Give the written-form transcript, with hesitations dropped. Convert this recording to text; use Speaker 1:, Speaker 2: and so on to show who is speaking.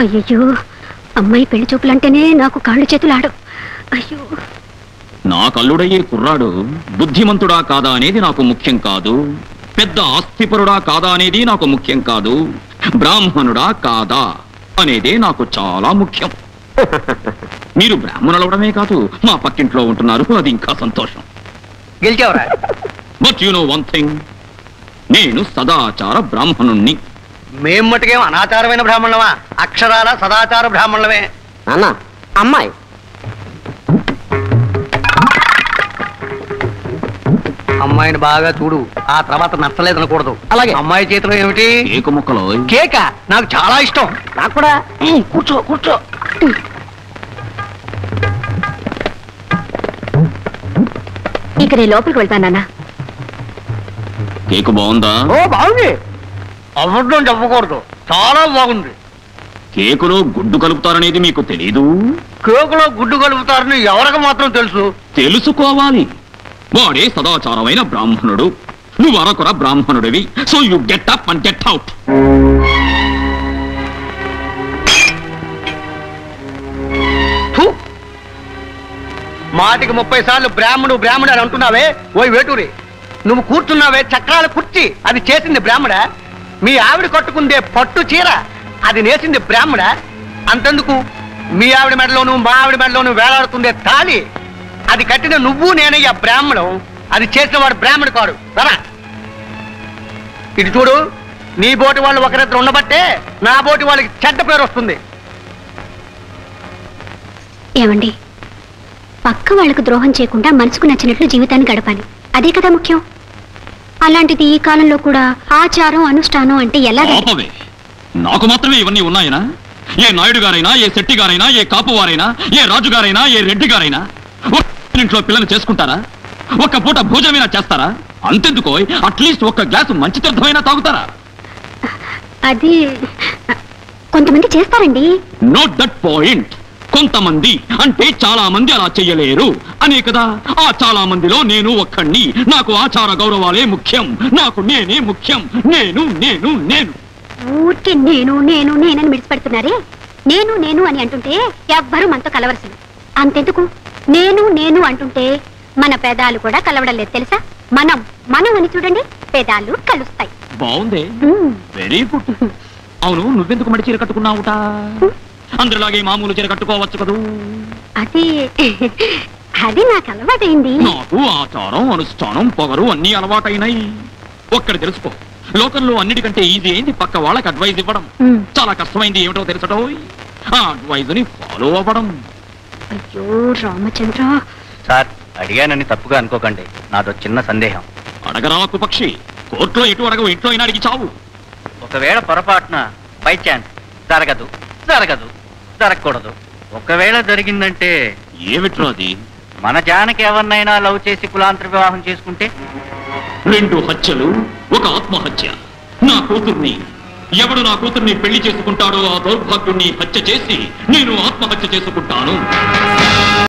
Speaker 1: అయ్యో, అమ్మాయి పెళ్లి చూపులంటేనే నాకు కాళ్ళు చేతులు ఆడు. అయ్యో,
Speaker 2: నా కల్లుడయ్యే కుర్రాడు బుద్ధిమంతుడా కాదా అనేది నాకు ముఖ్యం కాదు, పెద్ద ఆస్తిపరుడా కాదా అనేది నాకు ముఖ్యం కాదు, బ్రాహ్మణుడా కాదా అనేదే నాకు చాలా ముఖ్యం. మీరు బ్రాహ్మణులు అవడమే కాదు, మా పక్కింట్లో ఉంటున్నారు, అది ఇంకా సంతోషం.
Speaker 3: గెలిచావరా?
Speaker 2: But you know one thing, నేను సదాచార బ్రాహ్మణుణ్ణి.
Speaker 3: మేం మటుకేం అనాచారమైన బ్రాహ్మణులమా? అక్షరాల సదాచార బ్రాహ్మణులమే.
Speaker 4: నాన్న, అమ్మాయి
Speaker 3: అమ్మాయిని బాగా చూడు, ఆ తర్వాత నచ్చలేదు అనకూడదు.
Speaker 4: అలాగే.
Speaker 3: అమ్మాయి చేతిలో ఏమిటి?
Speaker 2: కేకు ముక్కలో
Speaker 3: కేక. నాకు చాలా ఇష్టం.
Speaker 4: నాకు కూడా. కూర్చో కూర్చో.
Speaker 1: ఇక నేను లోపలికి వెళ్తానన్నా.
Speaker 2: కేకు బాగుందా?
Speaker 3: ఓ బాగుంది. అబద్ధం చెప్పకూడదు, చాలా బాగుంది.
Speaker 2: కేకులో గుడ్డు కలుపుతారనేది మీకు తెలీదు?
Speaker 3: కేకులో గుడ్డు కలుపుతారని ఎవరికి మాత్రం తెలుసు?
Speaker 2: తెలుసుకోవాలి. వాడే సదాచారమైన బ్రాహ్మణుడు, నువ్వు అరకొర బ్రాహ్మణుడివి. So you get up and get out.
Speaker 3: మాటికి 30 సార్లు బ్రాహ్మణుడు బ్రాహ్మణుడు అని అంటున్నావే. ఓయ్ వేటూరి, నువ్వు కూర్చున్నావే చక్రాల కుర్చీ, అది చేసింది బ్రాహ్మణ. మీ ఆవిడ కట్టుకుందే పట్టు చీర, అది నేసింది బ్రాహ్మణ. అంతెందుకు, మీ ఆవిడ మెడలోను మా ఆవిడ మెడలోను వేలాడుతుందే తాళి, అది కట్టిన నువ్వు నేనయ్యా బ్రాహ్మణం. అది చేసిన వాడు బ్రాహ్మణుడు కాడు. సరా ఇటు చూడు, నీ బోటి వాళ్ళు ఒకరిద్దరు ఉండబట్టే నా బోటి వాళ్ళకి చెడ్డ పేరు వస్తుంది.
Speaker 1: ఏమండి, పక్క వాళ్ళకు ద్రోహం చేయకుండా మనసుకు నచ్చినట్లు జీవితాన్ని గడపాలి, అదే కదా ముఖ్యం. అలాంటిది ఈ కాలంలో కూడా ఆచారం అనుష్ఠానం అంటే ఎలా?
Speaker 2: ఆపవే. నాకు మాత్రమే ఇవన్నీ ఉన్నాయనా? ఏ నాయుడు గారైనా, ఏ శెట్టి గారైనా, ఏ కాపువారైనా, ఏ రాజుగారైనా, ఏ రెడ్డి గారైనా ఇంట్లో పిల్లలు చేసుకుంటారా? ఒక్క పూట భోజనమైనా చేస్తారా? అంతెందుకో, అట్లీస్ట్ ఒక్క గ్లాసు మంచి తీర్థమైనా తాగుతారా?
Speaker 1: అది కొంతమంది చేస్తారండి.
Speaker 2: Note that point. కొంతమంది అంటే చాలా మంది అలా చెయ్యలేరు అనే కదా. ఆ చాలా మందిలో నేను ఒక్కడిని. నాకు ఆచార గౌరవాలే ముఖ్యం, నాకు నేనే ముఖ్యం. నేను నేను నేను
Speaker 1: ఊరికే నేను నేను నేనని విడిచిపెడుతున్నారే. నేను నేను అని అంటుంటే ఎవ్వరూ మనతో కలవరసలు. అంతెందుకు, నేను నేను అంటుంటే మన పెదాలు కూడా కలవడం లేదు తెలుసా. మనం మనం అని చూడండి, పెదాలు కలుస్తాయి.
Speaker 2: బాగుంది, వెరీ గుడ్. అవును, నువ్వెందుకు మడి చీర కట్టుకున్నావుట? అందరిలాగే మామూలు చీర కట్టుకోవచ్చు కదూ.
Speaker 1: అది అది నాకు అలవాటైంది.
Speaker 2: నాకు ఆచారం అనుష్ఠానం పొగరు అన్ని అలవాటైనాయి. ఒక్కడి తెలుసుకో, లోకంలో అన్నిటికంటే ఈజీ అయింది పక్క వాళ్ళకి అడ్వైజ్ ఇవ్వడం. చాలా కష్టమైంది ఏమిటో తెలుసటో, ఆ అడ్వైజ్ ని ఫాలో అవ్వడం.
Speaker 1: అయ్యో రామచంద్ర.
Speaker 3: సార్, అడిగానని తప్పుగా అనుకోకండి, నాదో చిన్న సందేహం.
Speaker 2: అడగరాకు పక్షి, కోర్టులో ఎటు అడగవు, ఇంట్లో అయినా అడిగి చావు.
Speaker 3: ఒకవేళ పొరపాటున బై ఛాన్స్ జరగదు జరగదు జరగకూడదు, ఒకవేళ జరిగిందంటే
Speaker 2: ఏమిట్రో అది?
Speaker 3: మన జానకి ఎవరినైనా లవ్ చేసి కులాంతర వివాహం చేసుకుంటే?
Speaker 2: 2 హత్యలు, ఒక ఆత్మహత్య. నా కూతుర్ని ఎవడు నా కూతుర్ని పెళ్లి చేసుకుంటాడో ఆ దౌర్భాగ్యుణ్ణి హత్య చేసి నేను ఆత్మహత్య చేసుకుంటాను.